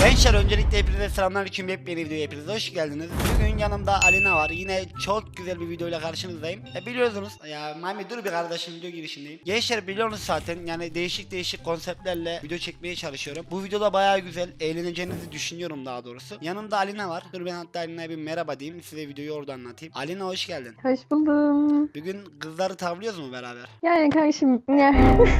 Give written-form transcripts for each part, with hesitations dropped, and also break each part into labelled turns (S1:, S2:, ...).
S1: Gençler öncelikle hepinize selamünaleyküm, yepyeni videoya hepiniz hoş geldiniz. Bugün yanımda Alina var. Yine çok güzel bir videoyla karşınızdayım. Biliyorsunuz ya Mami, dur bir kardeşim, video girişindeyim. Gençler biliyorsunuz zaten, yani değişik konseptlerle video çekmeye çalışıyorum. Bu videoda bayağı güzel, eğleneceğinizi düşünüyorum daha doğrusu. Yanımda Alina var. Dur ben hatta Alina'ya bir merhaba diyeyim, size videoyu orada anlatayım. Alina hoş geldin.
S2: Hoş buldum.
S1: Bugün kızları tavlıyoruz mu beraber?
S2: Yani kardeşim ya.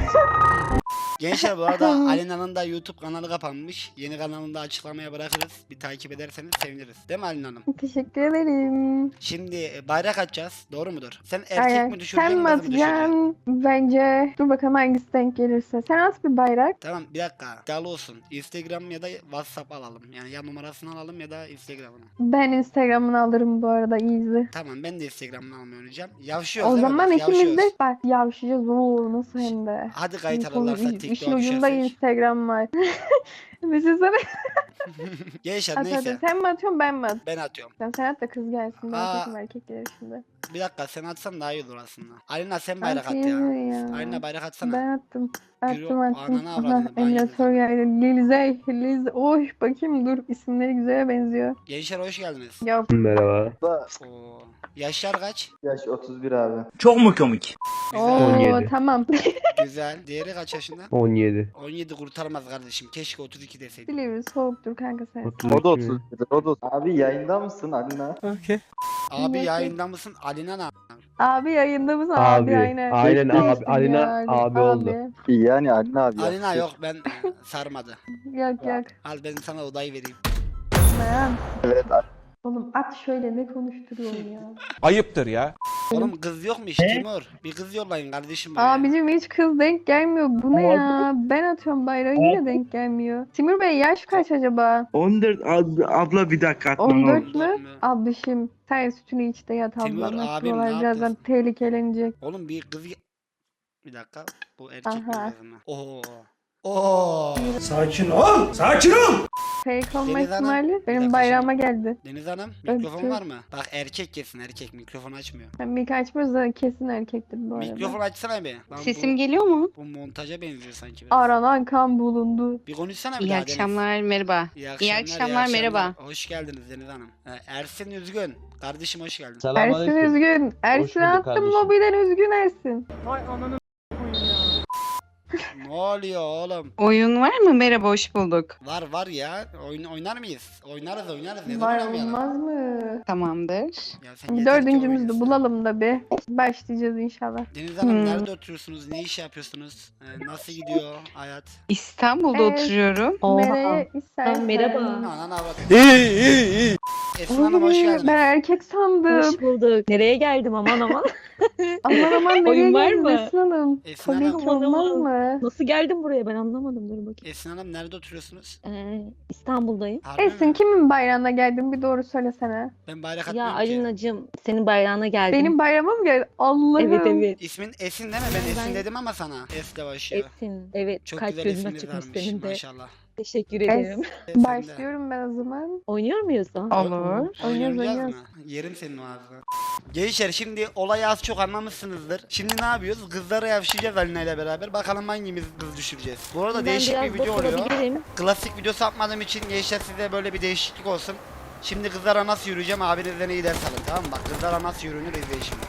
S1: Gençler bu arada Alina'nın da YouTube kanalı kapanmış. Yeni kanalını da açıklamaya bırakırız. Bir takip ederseniz seviniriz. Değil mi Alina Hanım?
S2: Teşekkür ederim.
S1: Şimdi bayrak atacağız. Doğru mudur? Sen erkek
S2: Aynen.
S1: mi düşüreceksin,
S2: Sen mi
S1: kız mı düşüreceksin?
S2: atacaksın? Bence dur bakalım hangisi denk gelirse. Sen at bir bayrak.
S1: Tamam, bir dakika. İddialı olsun. Instagram ya da WhatsApp alalım. Yani ya numarasını alalım ya da Instagram'ını.
S2: Ben Instagram'ını alırım bu arada, easy.
S1: Tamam, ben de Instagram'ını almayı oynayacağım. Yavşıyoruz
S2: O
S1: değil mi?
S2: zaman
S1: Bak,
S2: ikimiz de
S1: yavşıyoruz.
S2: bak yavşayacağız. Oo nasıl hem de.
S1: Hadi kayıt
S2: İşin
S1: alırlarsa
S2: işin
S1: TikTok'a
S2: ucunda
S1: düşersek.
S2: Instagram var. Düşünsene.
S1: Gençler
S2: At
S1: neyse.
S2: hadi. Sen mi atıyorsun ben mi
S1: Ben atıyorum.
S2: Sen at da kız gelsin. Ben
S1: Aa.
S2: atayım, erkek gelir şimdi.
S1: Bir dakika, sen atsan daha iyi olur aslında. Alina sen bayrak at
S2: Atayım
S1: ya.
S2: ya.
S1: Alina bayrak atsana.
S2: Ben attım.
S1: Yürü,
S2: Attım.
S1: ananı
S2: Aha,
S1: avradını, ben
S2: emülatör
S1: yedim.
S2: geldi. Lize. Oy bakayım dur. İsimleri güzele benziyor.
S1: Gençler hoş geldiniz.
S2: Ya
S3: Merhaba.
S1: Oo. Yaşlar kaç?
S4: Yaş 31 abi.
S3: Çok mu komik?
S1: Güzel.
S2: Oo
S3: 17.
S2: tamam.
S1: Güzel. Diğeri kaç yaşında?
S3: 17.
S1: 17 kurtarmaz kardeşim. Keşke 32 deseydim.
S2: Silivri soğuktur kanka sen.
S3: 32
S4: O da
S3: mi?
S4: 31. O da. Abi yayında mısın Alina?
S1: Abi
S2: Yok,
S1: yayında mısın? Alina ne?
S2: Abi yayında mısın?
S3: Abi.
S2: Aynen.
S3: Aynen
S2: Değiştin
S3: abi. Alina
S2: yani.
S3: abi oldu.
S4: Yani Alina abi.
S1: Alina
S4: yaptı.
S1: yok, ben sarmadı.
S2: Yok.
S1: Al ben sana odayı vereyim.
S2: Ben.
S4: Evet.
S2: Oğlum at şöyle, ne konuşturuyorsun ya.
S5: Ayıptır ya.
S1: Oğlum kız yok mu hiç Timur? Bir kız yollayın kardeşim buraya.
S2: Abicim hiç kız denk gelmiyor. Bu ne ya? Ben atıyorum bayrağı, yine denk gelmiyor. Timur Bey yaş kaç acaba?
S6: 14 abla bir dakika atmam
S2: 14
S6: lazım.
S2: mü?
S1: 14 mü?
S2: Ablışım sen sütünü iç de yat
S1: Timur,
S2: ablam.
S1: abim,
S2: Buralar
S1: ne
S2: birazdan
S1: yapıyorsun?
S2: tehlikelenecek.
S1: Oğlum bir kız... Bir dakika. Bu erkek mi
S2: Aha.
S1: kız mı? Oo. Oo.
S5: Sakin ol. Sakin ol.
S2: Fake olma
S1: Deniz Hanım,
S2: ihtimali
S1: bir
S2: benim
S1: dakika
S2: bayrağıma geldi.
S1: Deniz Hanım
S2: Evet,
S1: mikrofon
S2: evet.
S1: var mı? Bak erkek kesin, erkek mikrofon açmıyor.
S2: Ben mik açmıyoruz da kesin erkektir bu arada.
S1: Mikrofon açsana bir. Lan
S7: Sesim geliyor mu?
S1: bu montaja benziyor sanki biraz.
S2: Aranan kan bulundu.
S1: Bir konuşsana bir
S7: İyi
S1: daha Deniz.
S7: akşamlar, merhaba. İyi akşamlar, merhaba.
S1: Hoş geldiniz Deniz Hanım. Ersin Üzgün. Kardeşim hoş geldin.
S2: Ersin üzgün. Ersin attım lobiden, üzgün Ersin.
S1: Ne oluyor oğlum?
S7: Oyun var mı? Merhaba, hoş bulduk.
S1: Var ya. Oynar mıyız? Oynarız. Neden
S2: Var
S1: oynamayalım?
S2: olmaz mı?
S7: Tamamdır.
S1: Ya sen
S2: Bir
S1: yeter ki
S2: dördüncümüzü de
S1: oynayasın.
S2: bulalım da bir. Başlayacağız inşallah.
S1: Deniz Hanım
S7: Hmm.
S1: nerede oturuyorsunuz? Ne iş yapıyorsunuz? Nasıl gidiyor hayat?
S7: İstanbul'da
S2: Evet.
S7: oturuyorum.
S2: Nereye istersen.
S8: merhaba.
S1: Anan avrat.
S5: İyi.
S1: Esin Hanım hoş
S2: Oy,
S1: geldiniz.
S2: ben erkek sandım.
S8: Hoş bulduk. Nereye geldim aman aman.
S2: Aman nereye
S8: Oyun var
S2: geldin
S8: mı?
S2: Esin Hanım?
S1: Esin
S2: Tabii
S1: Hanım.
S2: ki olmaz mı?
S8: Nasıl geldim buraya ben anlamadım, dur bakayım.
S1: Esin Hanım nerede oturuyorsunuz?
S8: İstanbul'dayım.
S1: Harbi
S2: Esin
S1: mi?
S2: kimin bayrağına geldin, bir doğru söylesene.
S1: Ben bayrak
S8: Ya
S1: atmıyorum ki.
S8: Alinacığım senin bayrağına geldim.
S2: Benim bayrağıma mı geldin? Allah'ım.
S8: Evet.
S1: İsmin Esin değil mi? Ben Esin
S8: Ben-
S1: dedim ama sana. S ile başlıyor.
S8: Esin. Evet,
S1: Çok
S8: kalp
S1: güzel
S8: gözüme
S1: isimleri
S8: çıkmış
S1: varmış
S8: senin de.
S1: maşallah.
S8: Teşekkür ederim.
S1: Sen de.
S2: Başlıyorum ben o zaman.
S8: Oynuyor muyuz da?
S7: Olur.
S1: Oynayacağız
S2: Oynuyoruz.
S1: mı? Yerim senin o ağzını. Gençler şimdi olayı az çok anlamışsınızdır. Şimdi ne yapıyoruz? Kızlara yavşayacağız Alina ile beraber. Bakalım hangimiz kız düşüreceğiz. Bu arada
S8: Ben
S1: değişik
S8: biraz
S1: bir video oluyor.
S8: dokunabilirim.
S1: Klasik video satmadığım için gençler size böyle bir değişiklik olsun. Şimdi kızlara nasıl yürüyeceğim abinizden iyi ders alın, tamam mı? Bak kızlara nasıl yürünür izleyin şimdi.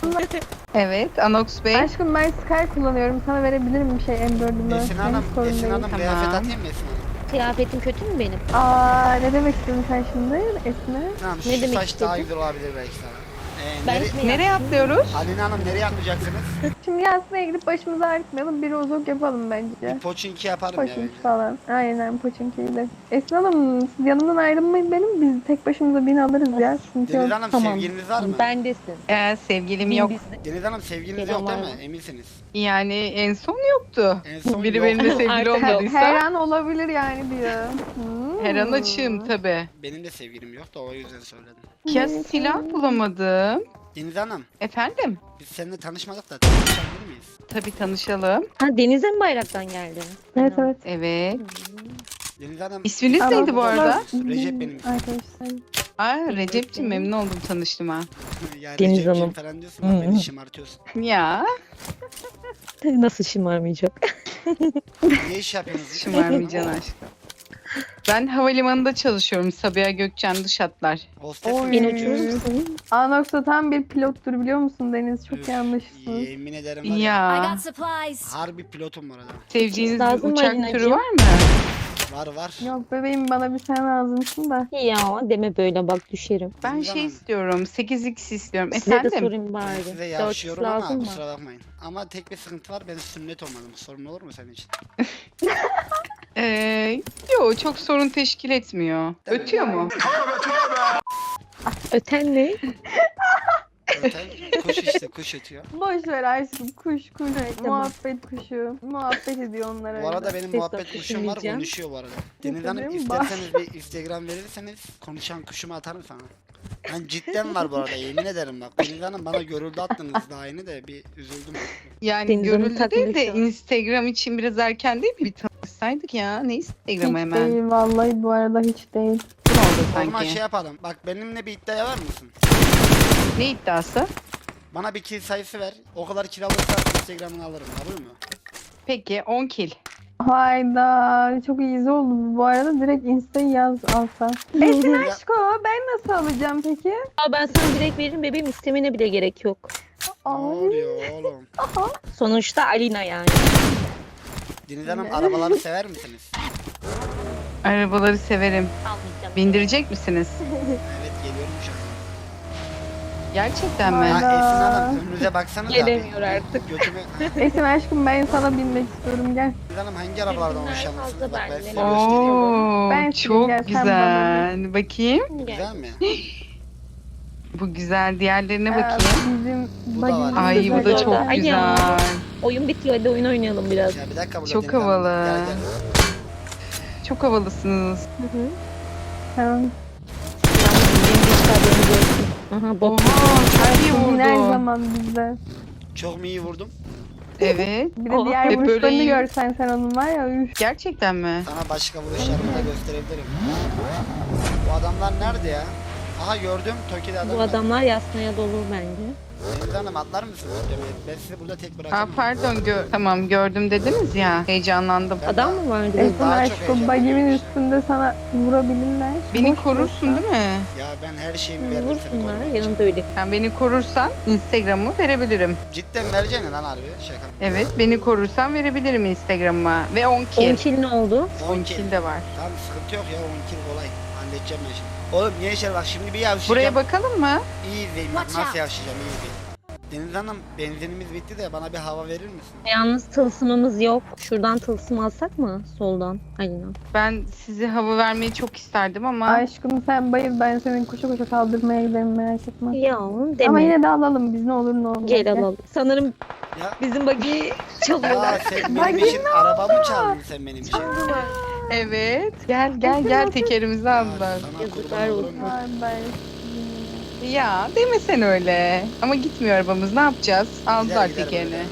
S7: Evet, Anox Bey.
S2: Aşkım ben Sky kullanıyorum. Sana verebilirim bir şey M4'ümü.
S1: Esin Hanım, Esin Hanım
S7: Tamam.
S1: kıyafet atayım mı Esin Hanım?
S8: Kıyafetim kötü mü benim?
S2: Ne demek istedin sen şimdi Esin'e?
S1: Tamam,
S8: Ne
S1: şu
S8: demek
S1: saç daha
S8: istedin?
S1: güzel olabilir belki sana.
S8: Ben
S1: Nere-
S8: gitmeye-
S7: Nereye atlıyoruz?
S1: Alina Hanım nereye atlayacaksınız?
S2: Şimdi Yasin'e gidip başımızı ağrıtmayalım. Bir rozok yapalım bence.
S1: Bir poçinki yaparım ya
S2: Poçink
S1: bence.
S2: falan. Aynen Poçinki'yi de. Esin Hanım siz yanımdan ayrılmayın benim. Biz tek başımıza bin alırız ya. Sıkıntı
S1: Deniz
S2: yok.
S1: Hanım
S8: Tamam.
S1: sevgiliniz var mı?
S8: Bendesin.
S7: Sevgilim yok.
S1: Deniz Hanım sevgiliniz yok değil mi? Eminsiniz.
S7: Yani en son yoktu.
S1: En son
S7: Biri
S1: yok.
S7: benimle sevgili
S8: Artık
S7: olmadıysa
S2: Her an olabilir yani diyor.
S7: her an açığım tabi.
S1: Benim de sevgilim yok da o yüzden söyledim.
S7: Ya silah bulamadım.
S1: Deniz Hanım,
S7: Efendim?
S1: biz seninle tanışmadık da tanışabilir miyiz?
S7: Tabi tanışalım.
S8: Ha Deniz'e mi bayraktan geldin?
S2: Evet evet.
S7: Evet.
S1: Deniz Hanım...
S7: İsminiz
S2: Tamam.
S7: neydi bu arada?
S1: Recep benim ismim.
S2: Arkadaşlar.
S7: Recep'ciğim, memnun oldum tanıştığıma.
S1: Ya
S8: Deniz
S1: Recep'ciğim
S8: Hanım.
S1: falan diyorsun ama beni şımartıyorsun.
S7: Ya
S8: Nasıl şımarmayacak?
S1: Ne iş yapıyorsunuz?
S7: şımarmayacaksın aşkım. Ben havalimanında çalışıyorum. Sabiha Gökçen dış hatlar.
S1: Hostes
S2: Oy.
S1: mi?
S8: Beni uçurur musun?
S2: Anox'ta tam bir pilottur biliyor musun Deniz? Çok
S1: Üf,
S2: yanlışsın.
S1: Yemin ederim var ya.
S3: I
S7: Ya
S3: got supplies.
S1: Harbi pilotum bu arada.
S7: sevdiğiniz
S8: Lazım
S7: bir
S8: mı
S7: uçak
S8: Alinacığım?
S7: türü var mı?
S1: Var var.
S2: Yok bebeğim bana bir sen lazımsın da.
S8: Ya deme böyle bak düşerim.
S7: Ben
S1: Bilmem.
S7: şey istiyorum. 8x istiyorum.
S8: Size de
S7: Efendim?
S8: sorayım
S1: Ben
S8: bari.
S1: size
S8: 4
S1: yavşıyorum ama
S8: lazım mı?
S1: kusura bakmayın. Ama tek bir sıkıntı var, ben sünnet olmadım. Sorun olur mu senin için?
S7: Yo çok sorun teşkil etmiyor. Ötüyor mu?
S8: Öten ne?
S1: Zaten kuş işte, kuş ötüyor.
S2: Boş ver aşkım kuş.
S8: Tamam.
S2: Muhabbet kuşu. Muhabbet ediyor onlar
S1: Bu arada
S2: öyle.
S1: benim
S8: Ses
S1: muhabbet
S8: sokuşu
S1: kuşum var,
S8: diyeceğim.
S1: konuşuyor bu arada. Deniz Hanım
S2: Bakıyorum,
S1: isterseniz bir Instagram verirseniz konuşan kuşumu atarım sana. Ben cidden var bu arada, yemin ederim bak. Deniz Hanım bana görüldü attınız daha yeni de bir üzüldüm.
S7: Yani
S8: Deniz Hanım
S7: görüldü
S8: takıldı
S7: değil de
S8: şu an.
S7: Instagram için biraz erken değil mi? Bir tanışsaydık ya. Ne Instagram'ı
S2: Hiç
S7: hemen?
S2: değil vallahi bu arada hiç değil.
S7: Kim oldu
S1: O zaman
S7: sanki?
S1: şey yapalım. Bak benimle bir iddiaya var mısın?
S7: Ne iddiası?
S1: Bana bir kill sayısı ver. O kadar kill alırsa Instagram'ını alırım. Kabul mü?
S7: Peki 10 kill.
S2: Hayda çok iyi oldu bu arada direkt insta'yı yaz alsa. Esin aşko ben nasıl alacağım peki?
S8: Aa, ben sana direkt veririm bebeğim, istemene bile gerek yok.
S1: Ne
S2: Ay.
S1: oluyor oğlum?
S8: Sonuçta Alina yani.
S1: Deniz Hanım arabaları sever misiniz?
S7: Arabaları severim.
S8: Almayacağım.
S7: Bindirecek misiniz?
S1: Evet, geliyorum şu an.
S7: Gerçekten mi?
S2: Vay.
S1: Ya
S2: Hayda.
S1: Esin Hanım önünüze baksanıza.
S8: Gelemiyor
S1: bir-
S8: artık.
S1: Götümü...
S2: Esin aşkım ben sana binmek istiyorum gel.
S1: Deniz Hanım hangi arabalardan
S8: Bunlar
S1: hoşlanırsınız?
S8: fazla
S1: Bak ben
S8: bende.
S1: size göstereyim.
S7: Oo,
S2: Ben
S7: çok
S2: gel, sen bana
S7: güzel. Bakayım.
S1: Güzel mi?
S7: Bu güzel. Diğerlerine
S2: Aa,
S7: bakayım.
S2: Bizim
S1: Bu da var.
S2: bagimiz
S7: Ay bu
S2: güzel
S7: da
S2: oldu.
S7: çok
S8: Ay
S7: güzel.
S8: ya. Oyun bitiyor, hadi oyun oynayalım biraz.
S1: Ya bir dakika burada
S7: Çok
S1: Deniz Hanım.
S7: havalı.
S1: Gel gel.
S7: Çok havalısınız.
S8: Hı hı.
S2: Tamam.
S8: Yalnız benim de işte haberiniz olsun. Aha bot.
S7: Oha çok iyi
S2: Bugün her
S7: vurdu.
S2: zaman bizde.
S1: Çok mu iyi vurdum?
S7: Evet.
S2: Bir de
S8: Aa,
S2: diğer
S7: hep böyle
S2: vuruşlarını
S7: iyi.
S2: görsen sen onun var ya üf.
S7: Gerçekten mi?
S1: Sana başka vuruşlarımı da gösterebilirim. Bu adamlar nerede ya? Aha gördüm. Toki'de adam
S8: Bu
S1: var.
S8: adamlar yasmaya dolu bence.
S1: Deniz Hanım atlar mısınız? Ben sizi burada tek
S7: Aa,
S1: bırakamam.
S7: pardon tamam gördüm dediniz ya. Heyecanlandım.
S1: Ben
S8: Adam
S1: daha-
S8: mı vardı?
S2: Esin
S1: daha çok
S2: aşkım
S1: heyecanlıyım
S2: bagimin
S1: işte.
S2: üstünde sana vurabilirler.
S7: Beni
S2: Boş
S7: korursun
S2: ver.
S7: değil mi?
S1: Ya ben her şeyimi veririm seni
S8: Vursunlar,
S1: korumak için.
S8: yanında öyle.
S7: Yani beni korursan Instagram'ı verebilirim.
S1: Cidden vereceksin lan harbi. Şaka.
S7: Evet beni korursan verebilirim Instagram'ıma. Ve 10
S8: 10
S7: kill.
S8: kill ne oldu?
S7: 10 kill de var.
S1: Tamam sıkıntı yok ya, 10 kill kolay. Halledeceğim ben şimdi. Oğlum niye işler bak, şimdi bir yavşayacağım.
S7: Buraya bakalım mı?
S1: İyi izleyin bak,
S3: Watch
S1: nasıl
S3: out.
S1: yavşayacağım, iyi izleyin. Deniz Hanım benzinimiz bitti de bana bir hava verir misin?
S8: Yalnız tılsımımız yok. Şuradan tılsım alsak mı? Soldan. Alina.
S7: Ben size hava vermeyi çok isterdim ama
S2: Aşkım sen bayıl ben senin koşa koşa kaldırmaya giderim merak etme.
S8: Ya deme.
S2: Ama yine de alalım biz ne olur ne olmaz.
S8: Gel alalım. Sanırım
S1: Ya,
S8: bizim buggy'i çalıyorlar.
S1: ya sen
S2: Bak
S1: benim için arabamı çaldın sen benim için.
S7: evet. Gel tekerimizi aldılar.
S1: Sana
S8: Yazıklar
S1: kurban olurum.
S8: olsun.
S2: Bay bay.
S7: Ya demesen öyle. Ama gitmiyor arabamız ne yapacağız? Aldılar
S1: Gider, gider
S7: tekerini.
S1: böyle.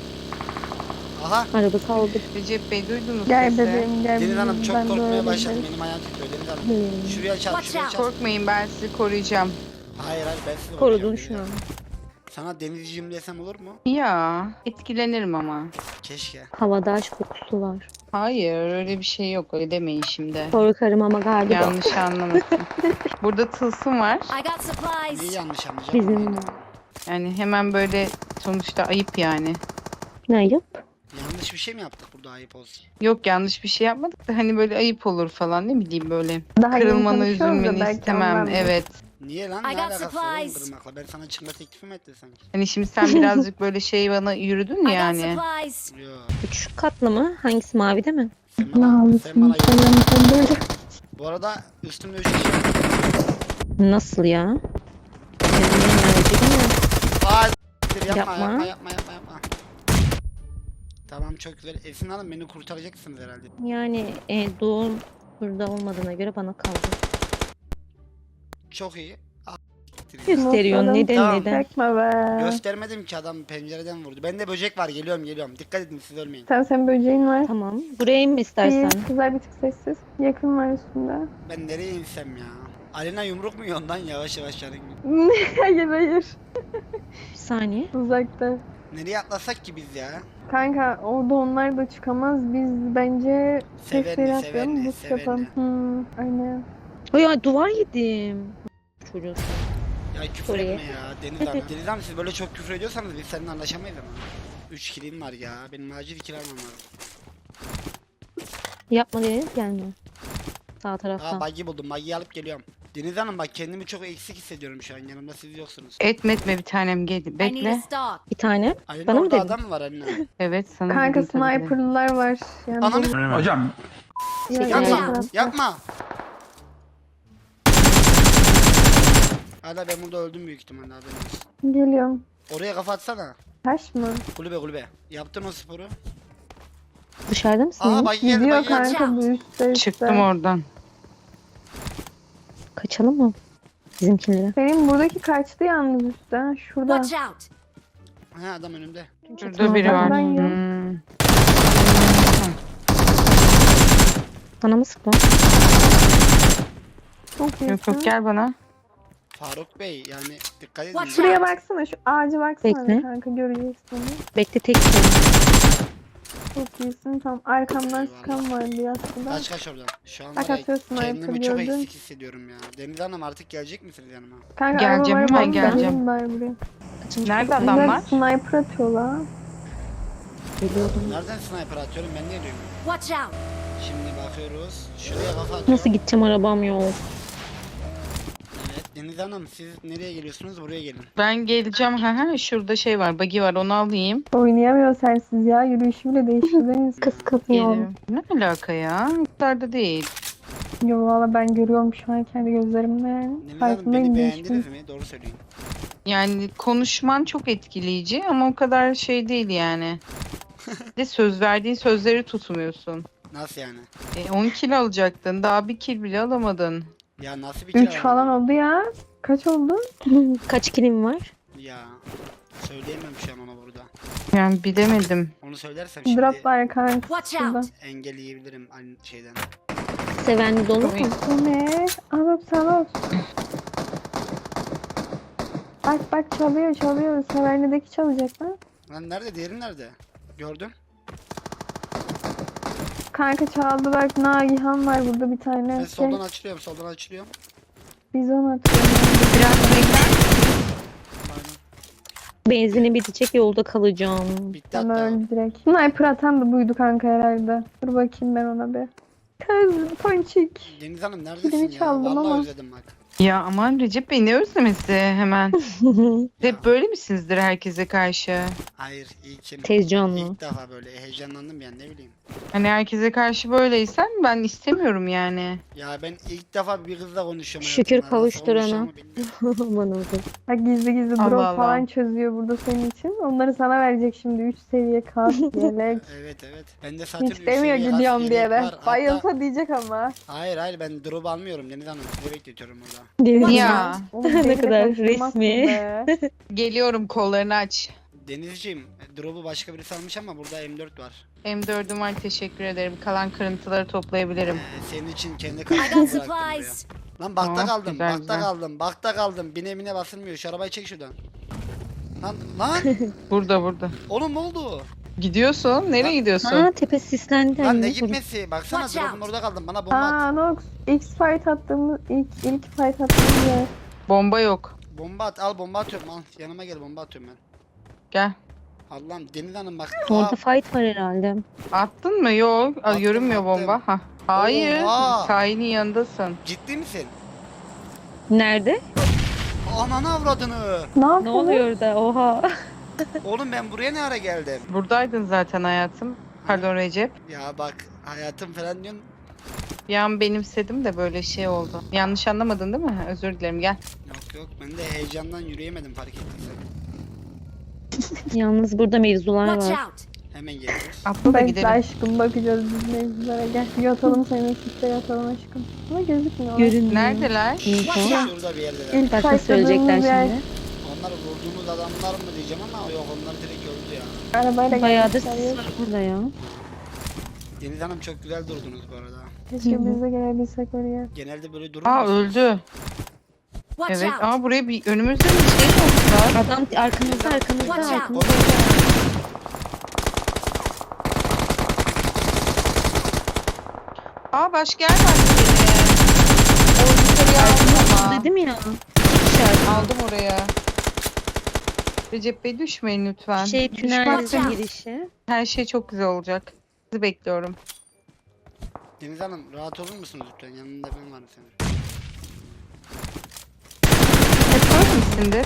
S1: Aha,
S8: Araba kaldı.
S7: Recep Bey duydunuz
S2: Gel
S7: sesi.
S2: bebeğim gel.
S1: Deniz Hanım çok
S2: Ben de
S1: korkmaya
S2: öyle
S1: başladım.
S2: derim.
S1: Benim ayağım titriyor Deniz Hanım.
S8: Hmm.
S1: Şuraya çarp,
S3: Watch
S1: şuraya
S3: out.
S1: çarp.
S7: Korkmayın ben sizi koruyacağım.
S1: Hayır hayır, ben sizi
S8: Korudun
S1: koruyacağım,
S8: şu an.
S1: Deniz Hanım. Sana denizciyim desem olur mu?
S7: Ya etkilenirim ama.
S1: Keşke.
S8: Havada aşk kokusu var.
S7: Hayır öyle bir şey yok öyle demeyin şimdi.
S8: Korkarım ama galiba.
S7: Yanlış anlamasın. Burada tılsım var.
S3: I got
S1: Neyi
S3: supplies.
S1: yanlış anlayacağım?
S8: Bizim
S7: Yani hemen böyle sonuçta ayıp yani.
S8: ne yap?
S1: Yanlış bir şey mi yaptık burada, ayıp olsun?
S7: Yok yanlış bir şey yapmadık da hani böyle ayıp olur falan ne bileyim böyle.
S2: Daha yeni
S7: Kırılmanı
S2: tanışıyoruz da
S7: üzülmeni
S2: belki
S7: istemem
S2: ondan.
S7: evet.
S1: Niye lan?
S3: I
S1: Ne
S3: got
S1: alakası var oğlum
S3: supplies.
S1: kırmakla? Ben sana çıkma teklifi mi ettim sanki?
S7: Hani şimdi sen birazcık böyle şey bana yürüdün
S3: I got
S7: yani.
S3: supplies.
S1: Yok.
S8: 3 katlı mı? Hangisi mavi değil mi?
S1: Sen
S2: Ne
S1: bana,
S2: alıyorsun?
S1: sen bana
S2: Sen sen böyle.
S1: Bu arada üstümde 3 kişi var.
S8: Nasıl ya? Kendine enerji mi?
S1: Aa, yapma,
S8: Yapma.
S1: yapma, yapma, yapma, yapma. Tamam çok güzel. Esin Hanım beni kurtaracaksınız herhalde.
S8: Yani doğum burada olmadığına göre bana kaldı.
S1: Çok iyi.
S8: Gösteriyor.
S2: Notlarım
S8: Neden
S1: Tamam.
S8: neden?
S2: Çekme be.
S1: Göstermedim ki, adam pencereden vurdu. Bende böcek var, geliyorum. Dikkat edin, siz ölmeyin.
S2: Sen böceğin var.
S8: Tamam. Buraya inme istersen.
S2: İyi, güzel bir tık sessiz. Yakın var üstünde.
S1: Ben nereye insem ya? Alina yumruk mu yiyor ondan, yavaş yavaş canım.
S2: hayır hayır.
S8: Bir saniye.
S2: Uzakta.
S1: Nereye atlasak ki biz ya?
S2: Kanka orada onlar da çıkamaz. Biz bence
S1: Sevenli,
S2: sesleri atlayalım.
S1: sevenli,
S2: Bu
S1: sevenli.
S2: yapalım. Aynen.
S8: Ay ay duvar yedim. Çocuğu.
S1: Ya küfür
S8: Oraya.
S1: etme ya Deniz Hanım. Deniz Hanım siz böyle çok küfür ediyorsanız biz seninle anlaşamayız ama. 3 kilim var ya. Benim acil 2 almam lazım.
S8: Yapma Deniz gelme. Sağ
S1: Aa
S8: taraftan.
S1: buggy buldum. Buggy'yi alıp geliyorum. Deniz Hanım bak kendimi çok eksik hissediyorum şu an. Yanımda siz yoksunuz.
S7: Etme bir tanem gel.
S3: I need a
S7: Bekle.
S3: stock.
S8: Bir tane.
S1: Alina
S8: Bana mı
S1: orada
S8: dedin?
S1: adam mı var Alina?
S7: Evet sana
S2: Kanka
S7: dedim tabii ki de.
S2: sniper'lılar var. Yani
S1: Ananı
S5: Hocam
S2: Ya,
S8: Yapma,
S2: yan
S1: yapma.
S2: tarafta.
S1: Yapma. Hala ben burada öldüm büyük ihtimalle haberin olsun.
S2: Geliyorum.
S1: Oraya kafa atsana.
S2: Taş mı?
S1: Kulübe. Yaptın o sporu.
S8: Dışarıda mısın?
S1: Aa buggy geldi
S2: Gidiyor
S1: buggy geldi.
S2: kanka bu üstte.
S7: Çıktım oradan.
S8: Kaçalım mı? Bizimkilere.
S2: Benim buradaki kaçtı yalnız üstte. Ha, şurada.
S3: Watch out.
S1: Ha adam önümde.
S7: Şurada biri var.
S2: Ben ya.
S7: Hmm.
S8: Bana mı sıktı?
S2: Çok iyisin.
S7: Yok gel bana.
S1: Faruk Bey yani dikkat edin.
S3: Watch
S2: Şuraya baksana, şu ağaca baksana
S8: Bekle.
S2: kanka, göreceksin onu.
S8: Bekle tek.
S2: Çok iyisin. Tam arkamdan
S1: Eyvallah.
S2: sıkan vardı aslında.
S1: Kaç oradan. Şu an
S2: Bak
S1: var ya,
S2: atıyorsun
S1: kendimi
S2: ayakkabı,
S1: çok
S2: gördün.
S1: eksik hissediyorum ya. Deniz Hanım artık gelecek misiniz yanıma?
S2: Kanka
S7: Geleceğim,
S2: araba var,
S7: hemen
S2: bak,
S7: geleceğim.
S2: gelin bari buraya.
S7: Nerede adamlar?
S2: Sniper atıyorlar.
S8: Geliyordum.
S1: Nereden sniper atıyorum ben niye diyorum?
S3: Watch out.
S1: Şimdi bakıyoruz. Şuraya kafa atıyorum.
S8: Nasıl gideceğim arabam yok.
S1: Evet Deniz Hanım siz nereye geliyorsunuz? Buraya gelin.
S7: Ben geleceğim. Ha şurada şey var. Buggy var. Onu alayım.
S2: Oynayamıyor sensiz ya. Yürüyüşü bile değiştirdiniz.
S8: Kız katıyor.
S7: Gelirim. Ne alaka ya? Bu kadar da değil.
S2: Yo valla ben görüyorum şu an kendi gözlerimle yani.
S1: Deniz Hanım
S2: Farkındayım,
S1: beni
S2: değiştim.
S1: beğendiniz mi? Doğru söyleyin.
S7: Yani konuşman çok etkileyici ama o kadar şey değil yani. Bir de söz verdiğin sözleri tutmuyorsun.
S1: Nasıl yani?
S7: 10 kilo alacaktın. daha bir kil bile alamadın.
S1: Ya nasıl bir
S2: 3
S1: kere
S2: falan
S1: aldın?
S2: oldu ya. Kaç oldu?
S8: Kaç kilim var?
S1: Ya söyleyemem şu an ona burada.
S7: Yani bilemedim.
S1: Onu söylersem şimdi
S2: Drop var kanka.
S3: Watch
S2: şurada.
S3: out.
S1: engelleyebilirim aynı şeyden.
S8: Sevenli dolu mu?
S2: Bu ne? Alıp salıp. Bak çalıyor. Severnideki çalacak lan.
S1: Lan nerede? Diğeri nerede? Gördüm.
S2: Kanka çaldı bak, Nagihan var burada bir tane.
S1: Ben
S2: Şey,
S1: soldan açılıyorum.
S2: bizon atıyor.
S7: Biraz bekler.
S1: Aynen.
S8: Benzini bitecek, yolda kalacağım.
S1: Bitti
S2: Ama
S1: hatta.
S2: öldü direkt. Sniper atan da buydu kanka herhalde. Dur bakayım ben ona bir. Kız ponçik.
S1: Deniz Hanım neredesin
S2: Kilimi
S1: ya?
S2: çaldım
S1: Vallahi
S2: ama.
S1: özledim bak.
S7: Ya aman Recep Bey ne özlemesi hemen. Hep böyle misinizdir herkese karşı?
S1: Hayır ilk
S8: Tez canlı.
S1: İlk defa böyle heyecanlandım yani ne bileyim.
S7: Hani herkese karşı böyleysen ben istemiyorum yani.
S1: Ya ben ilk defa bir kızla konuşuyorum.
S8: Şükür
S1: hayatımda. Nasıl
S8: kavuşturana.
S1: konuşacağımı bilmiyorum.
S8: Bana oldu.
S2: Bak gizli
S7: Allah
S2: drop
S7: Allah.
S2: falan çözüyor burada senin için. Onları sana verecek şimdi 3 seviye kas yelek.
S1: Evet. Ben de zaten
S2: Hiç demiyor
S1: üç seviye
S2: gidiyorum
S1: kas
S2: diye
S1: yelek
S2: de.
S1: var. Hatta-
S2: Bayılsa diyecek ama.
S1: Hayır ben drop almıyorum Deniz Hanım. Sizi bekletiyorum burada.
S8: Deniz
S7: Ya
S2: Oğlum,
S8: Ne
S2: beni de
S8: kadar
S2: karıştırmazsın
S8: resmi.
S2: be.
S7: geliyorum, kollarını aç.
S1: Denizciğim drop'u başka birisi almış ama burada M4 var.
S7: M4'üm var, teşekkür ederim. Kalan kırıntıları toplayabilirim.
S1: Senin için kendi
S3: I
S1: kartını
S3: got
S1: bıraktım buraya.
S3: supplies.
S1: Lan bakta
S7: Tamam,
S1: kaldım,
S7: güzel,
S1: bakta
S7: güzel.
S1: kaldım, bakta kaldım. Bine basılmıyor. Şu arabayı çek şuradan. Lan
S7: Burada.
S1: oğlum ne oldu?
S7: Gidiyorsun. Nereye gidiyorsun?
S8: Ha tepesi sislendi.
S1: Lan
S8: anne.
S1: ne gitmesi? Baksana
S3: Watch
S1: drop'um
S3: out.
S1: orada kaldım. Bana bomba at.
S2: Aa Nox. ilk fight attığımız yer.
S7: Bomba yok.
S1: Bomba at. Al bomba atıyorum. Al yanıma gel bomba atıyorum ben.
S7: Gel.
S1: Allah'ım Deniz Hanım bak.
S8: Orada fight var herhalde.
S7: Attın mı? Yok.
S1: Attım,
S7: Görünmüyor
S1: attım.
S7: bomba. Ha. Hayır.
S1: Oha.
S7: Sahilin yanındasın.
S1: Ciddi misin?
S8: Nerede?
S1: Ananı avradını.
S2: Ne
S8: Ne
S2: yapıyorsun?
S8: oluyor orada? Oha.
S1: Oğlum ben buraya ne ara geldim?
S7: Buradaydın zaten hayatım. Pardon Recep.
S1: Ya bak hayatım falan diyorsun.
S7: Bir an benimsedim de böyle şey oldu. Yanlış anlamadın değil mi? Özür dilerim, gel.
S1: Yok ben de heyecandan yürüyemedim fark ettiysen.
S8: Yalnız burada mevzular
S3: Watch
S8: var.
S3: out.
S1: Hemen geliyoruz.
S7: Atla da
S2: Bekle
S7: gidelim.
S2: aşkım, bakacağız biz mevzulara. Gel yatalım, senin kitle yatalım aşkım. Ama gözükmüyor.
S8: Görünmüyor.
S7: Neredeler?
S8: Info.
S1: Şurada bir yerdeler.
S2: İlk
S8: Bak nasıl söyleyecekler
S2: fightladığımız yer.
S8: şimdi.
S1: Onlar vurduğumuz adamlar mı diyeceğim ama yok onlar direkt öldü ya.
S2: Arabayla
S8: Bayağıdır
S2: gelmişler
S8: sis
S2: ya.
S8: var burada ya.
S1: Deniz Hanım çok güzel durdunuz bu arada.
S2: Keşke biz de gelebilsek oraya.
S1: Genelde böyle durur
S7: Aa
S1: musunuz?
S7: öldü.
S3: Watch
S7: Evet.
S3: out.
S7: Buraya bir önümüzde bir şey olmuşlar.
S8: Adam arkamızda
S3: Watch out.
S8: arkamızda.
S7: Aa başka yer var benim. O yukarıya aldım ama.
S8: Dedim ya.
S7: Aldım oraya. Recep Bey düşmeyin lütfen.
S8: Tünel
S7: Düşmezseniz
S8: girişi.
S7: her şey çok güzel olacak. Sizi bekliyorum.
S1: Deniz Hanım rahat olur musunuz lütfen? Yanında ben varım senin.
S7: Hep böyle misindir?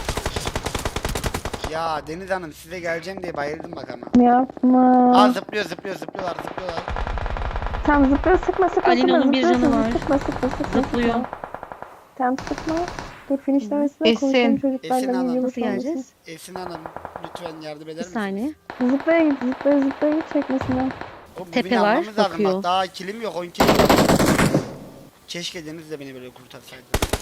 S1: Ya Deniz Hanım size geleceğim diye bayıldım bak ama.
S2: Yapma.
S1: Aa zıplıyorlar.
S2: Tam zıplıyor, sıkma.
S8: Ali'nin bir
S2: zıplıyorsun,
S8: canı var.
S2: Sıkma.
S8: Zıplıyor.
S2: Tam sıkma. Dur finishlemesine
S7: Esin.
S2: konuşalım
S1: Esin
S2: çocuklarla
S1: Hanım.
S2: yumurta
S8: Nasıl geleceğiz?
S1: Esin Hanım lütfen yardım
S8: Bir
S1: eder misiniz?
S8: saniye.
S2: Zıplaya git çekmesinden.
S1: Oğlum, bu
S8: Tepe
S1: beni
S8: var,
S1: almamız lazım.
S8: bakıyor.
S1: Bak, daha kilim yok 10 kilim yok. Keşke Deniz de beni böyle kurtarsaydı.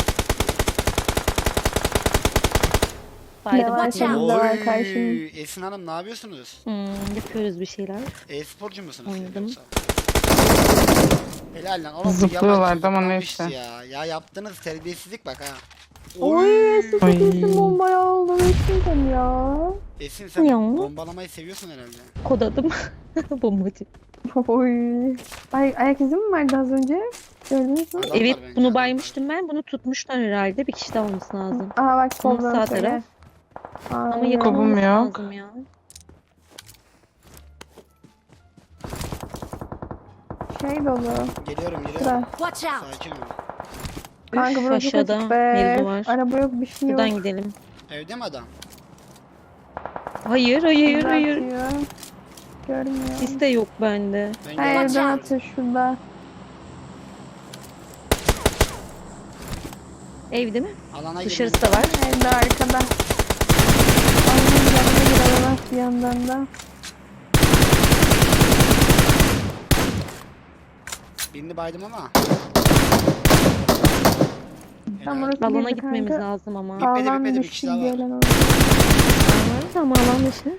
S8: Bari
S2: Ne var
S8: bakayım.
S2: senin de var karşında.
S1: Esin Hanım ne yapıyorsunuz?
S8: Yapıyoruz bir şeyler.
S1: E-sporcu musunuz? siz
S8: Oynadım.
S1: yoksa? Helal lan. Oğlum, bu
S7: Zıplıyorlardı
S1: yalan
S7: ama
S1: çocuklarmış
S7: neyse.
S1: Ya yaptığınız terbiyesizlik bak ha.
S2: Oy Esin çok
S7: Ay.
S2: iyisin, bombaya aldım Esin'den ya.
S1: Esin sen
S8: Ya.
S1: bombalamayı seviyorsun herhalde.
S8: Kod adım. Bombacı.
S2: Oy. Ay ayak izi mi vardı az önce? Gördünüz mü?
S1: Adamlar
S8: Evet
S1: bence,
S8: bunu
S1: adamlar.
S8: baymıştım ben. Bunu tutmuşlar herhalde. Bir kişi daha olması lazım.
S2: Aha bak
S8: Sol
S2: soldan
S8: sağ
S2: söyle.
S8: taraf. Ama
S2: Aynen.
S8: yakın
S7: Kobum
S8: olması
S7: yok.
S8: lazım ya.
S2: Şey dolu.
S1: Geliyorum.
S2: Sıra.
S1: Sakin ol.
S2: Kanka burası çok
S8: aşağıda
S2: açık be.
S8: mevzu var.
S2: Araba yok, bir şey yok.
S8: Buradan gidelim.
S1: Evde mi adam?
S8: Hayır.
S2: Bizi atıyor. Görmüyor.
S8: Sis de yok bende.
S1: Ben
S2: Ha,
S1: geldim.
S2: evden atıyor şurada.
S8: Evde mi?
S1: Alana
S8: Dışarısı da var.
S2: Evde arkada. Annem yanına giremez bir yandan da.
S1: Birini baydım ama.
S2: Tam
S1: Helal.
S2: orası
S8: Alana
S2: girdi
S8: gitmemiz
S2: kanka.
S8: lazım ama.
S1: Bitmedi,
S2: Alan
S1: bitmedi, bir
S2: dışı
S1: kişi daha var.
S2: gelen oldu.
S8: Var ama alan dışı.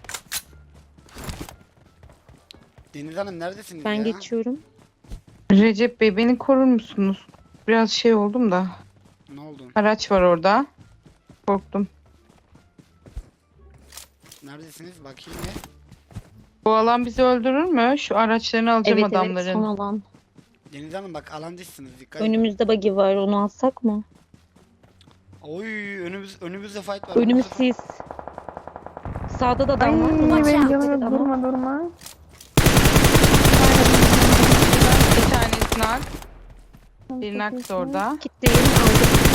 S1: Deniz Hanım neredesiniz
S8: Ben
S1: ya?
S8: geçiyorum.
S7: Recep Bey beni korur musunuz? Biraz şey oldum da.
S1: Ne oldu?
S7: Araç var orada. Korktum.
S1: Neredesiniz? Bakayım ya.
S7: Bu alan bizi öldürür mü? Şu araçlarını alacağım
S8: Evet
S7: adamların.
S8: son alan.
S1: Deniz Hanım bak alan dışsınız. Dikkat edin.
S8: Önümüzde buggy var. Onu alsak mı?
S1: Oy önümüzde fight var.
S8: Önümüz
S1: Önümüzde-
S8: sis. Sağda da
S2: Ay
S8: adam var. Ona
S2: benim
S8: dikkat
S2: canım
S8: et ama.
S2: durma.
S7: Bir tanesi nak. Bir nak da orada.
S8: Kitleyim aldım.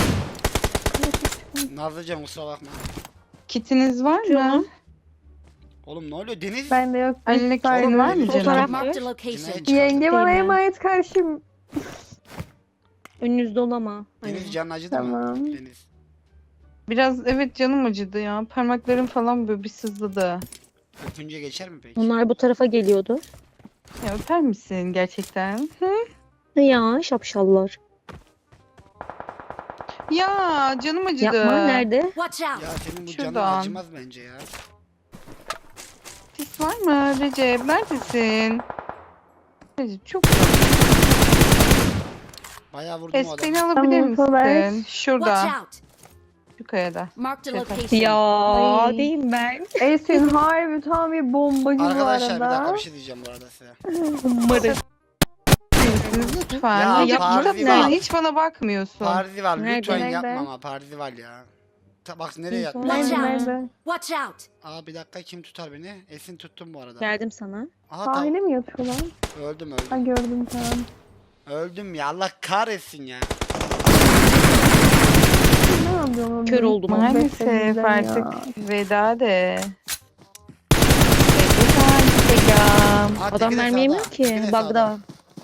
S1: Nazlıcan kusura bakma.
S7: Kitiniz var mı?
S8: Canım.
S1: Oğlum ne oluyor? Deniz.
S2: Bende yok.
S7: Eline kitin
S2: Sayın
S7: var mı
S8: Sol
S7: canım?
S8: taraf
S1: Cinayet
S8: var.
S1: çıkardı.
S2: Yenge bana
S8: Değil mi?
S2: emanet karşım.
S8: Önünüzde ol ama.
S1: Deniz
S8: Hani.
S1: canın acıdı mı?
S2: Tamam.
S1: Deniz.
S7: Biraz evet canım acıdı ya. Parmaklarım falan böyle bir sızladı.
S1: Öpünce geçer mi peki?
S8: Onlar bu tarafa geliyordu.
S7: Ya öper misin gerçekten?
S8: Ya şapşallar.
S7: Ya canım acıdı.
S8: Yapma nerede?
S1: Ya senin bu canın
S7: Şuradan.
S1: acımaz bence ya.
S7: Sis var mı Recep? Neredesin? Recep çok zor.
S1: Bayağı vurdum o
S7: Desteğini
S1: adamı.
S7: alabilir
S2: Tamam, kolay.
S7: misin? Şurada. Şu kayada.
S8: Ya
S2: Ay.
S8: değil ben.
S2: Esin harbi tam bir bombacı bu
S1: Arkadaşlar bir dakika
S2: arada.
S1: bir şey diyeceğim bu arada size.
S8: Umarım.
S7: Misiniz lütfen.
S1: Ya,
S7: Yapma.
S1: Parzival.
S7: Sen hiç bana bakmıyorsun.
S1: Parzival
S8: Nerede?
S1: lütfen
S2: Nerede?
S1: yapma ama Parzival ya. Bak nereye yatmış?
S2: Nerede?
S1: Aa bir dakika kim tutar beni? Esin tuttum bu arada.
S8: Geldim sana.
S1: Aha tamam.
S2: Sahile mi yatıyor lan?
S1: Öldüm
S2: Ha
S1: öldüm.
S2: gördüm tamam.
S1: Öldüm ya Allah kahretsin ya.
S2: Ne yapıyorum?
S8: Kör oldum.
S7: Maalesef artık veda de. Instagram.
S1: Aa,
S8: Adam
S1: teki de
S8: mermi
S1: sağda,
S8: yemiyor
S1: teki
S8: ki.
S1: de
S8: Bug'da.
S1: sağda.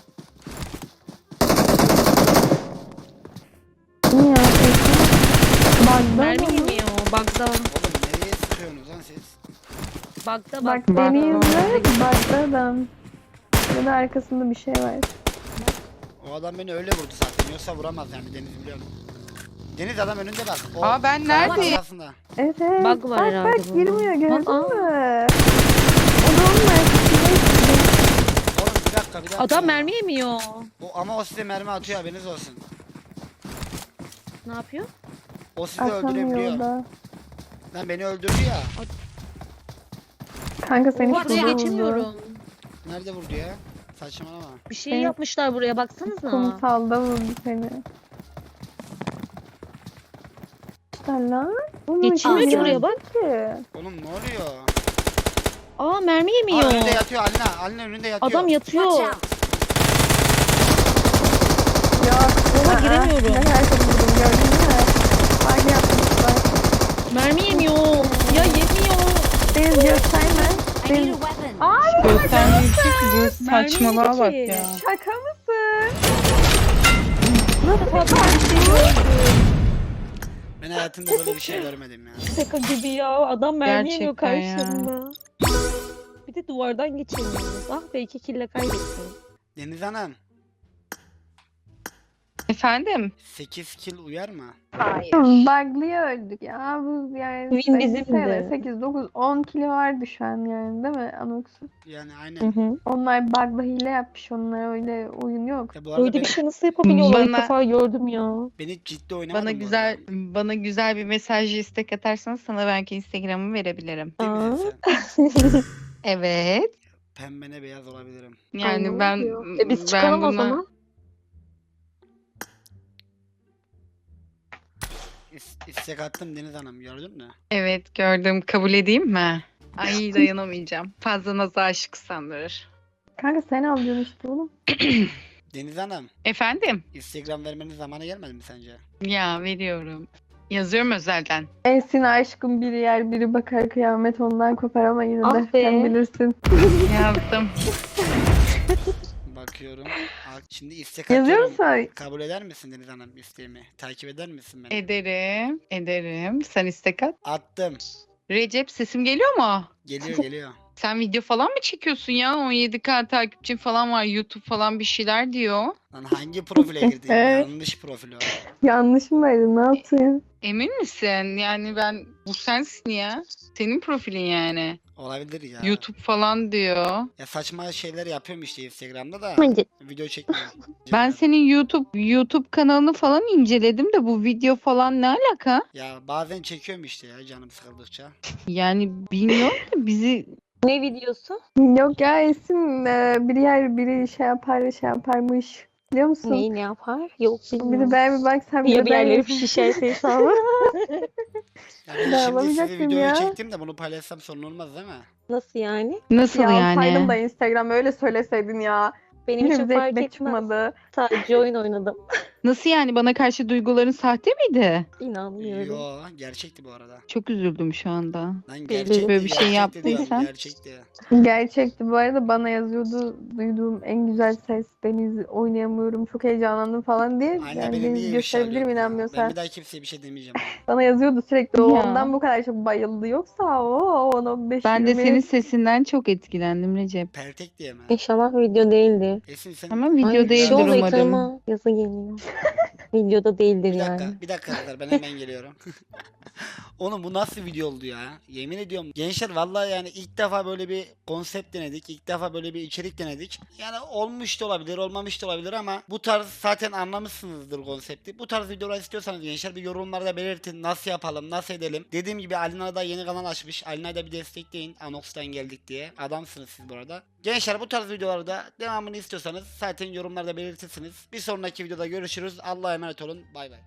S2: Niye ya? Esin. Bak
S8: Mermi
S2: ben
S8: yemiyor. Bug'da.
S1: Oğlum nereye sıkıyorsunuz lan siz?
S8: Bug'da
S2: Bak
S8: bak.
S2: beni
S7: Bak.
S2: izle. Bak adam. Ya da arkasında bir şey var.
S1: O adam beni öyle vurdu zaten. Yoksa vuramaz yani Deniz biliyorum. Deniz adam önünde bak. O
S7: Aa, ben
S1: kayanın
S7: neredeyim?
S1: arkasında.
S2: Evet.
S8: Bug var
S2: bak
S8: herhalde
S2: bak
S8: bunda.
S2: girmiyor gördün
S8: Aa.
S2: mü? O da onun arkasında.
S1: Oğlum bir dakika.
S8: Adam mermi yemiyor.
S1: Ama o size mermi atıyor haberiniz olsun.
S8: Ne yapıyor?
S1: O sizi
S2: Atamıyor
S1: öldürebiliyor.
S2: da.
S1: Lan beni öldürdü ya.
S2: Kanka seni
S8: Oraya
S2: şurada vurdu.
S8: geçemiyorum.
S1: Nerede vurdu ya? Saçmalama.
S8: Bir şey
S2: Evet.
S8: yapmışlar buraya baksanıza.
S2: Kumsalda vurdu seni. İşte lan. Bunu
S8: Geçmiyor
S2: kim
S8: ki buraya
S2: yazdı
S8: bak.
S2: ki?
S1: Oğlum ne oluyor?
S8: Aa mermi yemiyor.
S1: Aa, önünde yatıyor Alina. Alina önünde yatıyor.
S8: Adam yatıyor.
S2: Yok.
S8: Ona giremiyorum.
S2: Ne kadar çok vurdum gördün mü? Bak yapmışlar.
S8: Mermi yemiyor. Ya yemiyor.
S2: Deniz gösterme. Deniz.
S7: Göstermiyor ki bu saçmalığa bak
S8: Mermi
S7: ya.
S2: Şaka mısın?
S8: Nasıl bir şey gördüm.
S1: Ben hayatımda böyle bir şey görmedim ya.
S8: Şaka gibi ya. Adam mermi yemiyor
S7: Gerçekten ya.
S8: karşımda. Bir de duvardan geçemiyoruz. Ah be 2 kille kaybettim.
S1: Deniz Hanım.
S7: Efendim?
S1: 8 kill uyar mı?
S7: Hayır.
S2: Bug'lıya öldük ya. Bu yani
S8: Win bizimdi.
S2: 8, 9, 10 kilo vardı şu an yani değil mi Anox'un?
S1: Yani
S8: Hı
S1: aynen.
S8: hı.
S2: Onlar bug'la hile yapmış. Onlar öyle oyun yok.
S1: Ya bu arada
S8: Böyle
S1: beni,
S8: bir şey nasıl yapabiliyorlar? İlk
S7: Bana-
S8: defa gördüm ya.
S1: beni ciddi oynamadım
S7: Bana
S1: bu
S7: güzel
S1: arada.
S7: bana bir mesaj istek atarsanız sana belki Instagram'ı verebilirim.
S1: Değil
S8: Aa.
S1: misin sen?
S7: Evet.
S1: Pembene beyaz olabilirim.
S7: Yani
S2: Ay,
S7: ben
S2: ne oluyor?
S8: Biz
S7: ben
S8: çıkalım o
S7: buna
S8: zaman.
S1: İstek attım Deniz Hanım gördün mü?
S7: evet gördüm. Kabul edeyim mi? Ay dayanamayacağım. Fazla naza aşık sandırır.
S2: Kanka sen alıyorsun işte oğlum.
S1: Deniz Hanım
S7: Efendim?
S1: Instagram vermenin zamanı gelmedi mi sence?
S7: Ya veriyorum. Yazıyorum özelden.
S2: Ensin aşkım biri yer biri bakar kıyamet ondan kopar ama yine
S8: Ah
S2: de
S8: be.
S2: sen bilirsin.
S7: Yazdım.
S1: Bakıyorum. Şimdi istek
S2: Yazıyor
S1: atıyorum.
S2: musun?
S1: Kabul eder misin Deniz Hanım isteğimi? Takip eder misin beni?
S7: Ederim. Ederim. Sen istek at.
S1: Attım.
S7: Recep sesim geliyor mu?
S1: Geliyor.
S7: Sen video falan mı çekiyorsun ya? 17K takipçin falan var. YouTube falan bir şeyler diyor.
S1: Lan hangi profile girdin? Yanlış profil o.
S2: Yanlış mı verdin? Ne yaptın?
S7: Emin misin? Yani ben bu sensin ya. Senin profilin yani.
S1: Olabilir ya.
S7: YouTube falan diyor.
S1: Ya saçma şeyler yapıyorum işte Instagram'da da.
S8: Bence
S1: Video çekmiyorum.
S7: Ben senin YouTube kanalını falan inceledim de bu video falan ne alaka?
S1: Ya bazen çekiyorum işte ya canım sıkıldıkça.
S7: Yani bilmiyorum da bizi
S8: ne videosu?
S2: Yok ya Esin biri yer biri şey yaparmış. Biliyor musun?
S8: Neyi ne yapar? Yok
S2: Bir de
S8: bilmiyorum.
S2: ben bir bak sen bir
S8: Ya
S2: de
S8: bir
S2: ben
S8: yerleri şişerse hesabı.
S1: Ya ben
S2: Ben
S1: şimdi size
S2: alamayacaktım
S1: videoyu
S2: ya.
S1: çektim de bunu paylaşsam sorun olmaz değil mi?
S8: Nasıl yani?
S7: nasıl
S2: ya
S7: yani?
S2: alsaydım da Instagram öyle söyleseydin ya.
S8: Benim
S2: Yine
S8: için
S2: bize
S8: fark
S2: ekmek
S8: etmez.
S2: çıkmadı.
S8: Sadece oyun oynadım.
S7: Nasıl yani bana karşı duyguların sahte miydi?
S8: İnanmıyorum.
S1: Yo gerçekti bu arada.
S7: Çok üzüldüm şu anda.
S1: Lan
S8: Böyle
S1: gerçekti.
S7: bir şey
S1: gerçekti diyorum,
S7: yaptıysan.
S1: Gerçekti.
S2: Gerçekti bu arada bana yazıyordu duyduğum en güzel ses Deniz oynayamıyorum çok heyecanlandım falan diye.
S1: Anne
S2: Yani
S1: beni
S2: Deniz
S1: niye
S2: gösterebilirim
S1: ifşa ediyorsun ya? Ben
S2: inanmıyorsan.
S1: bir daha kimseye bir şey demeyeceğim.
S2: Bana yazıyordu sürekli o
S7: Ya.
S2: ondan bu kadar çok bayıldı yoksa o 10-15
S7: Ben de
S2: 20.
S7: senin sesinden çok etkilendim Recep.
S1: Pertek diye mi?
S8: İnşallah video değildir.
S1: Esin sen
S7: Ama video
S8: Ay bir şey
S7: değildir
S8: oldu
S7: umarım.
S8: ekranıma. Yazı geliyor. Videoda değildir
S1: bir
S8: yani.
S1: dakika, bir dakika kızlar ben hemen geliyorum. Oğlum bu nasıl video oldu ya? Yemin ediyorum. Gençler vallahi yani ilk defa böyle bir konsept denedik. İlk defa böyle bir içerik denedik. Yani olmuş da olabilir, olmamış da olabilir ama bu tarz zaten anlamışsınızdır konsepti. Bu tarz videolar istiyorsanız gençler bir yorumlarda belirtin. Nasıl yapalım, nasıl edelim? Dediğim gibi Alina da yeni kanal açmış. Alina'yı da bir destekleyin. Anox'tan geldik diye. Adamsınız siz bu arada. Gençler bu tarz videolarda devamını istiyorsanız zaten yorumlarda belirtirsiniz. Bir sonraki videoda görüşürüz. Allah'a emanet olun. Bay bay.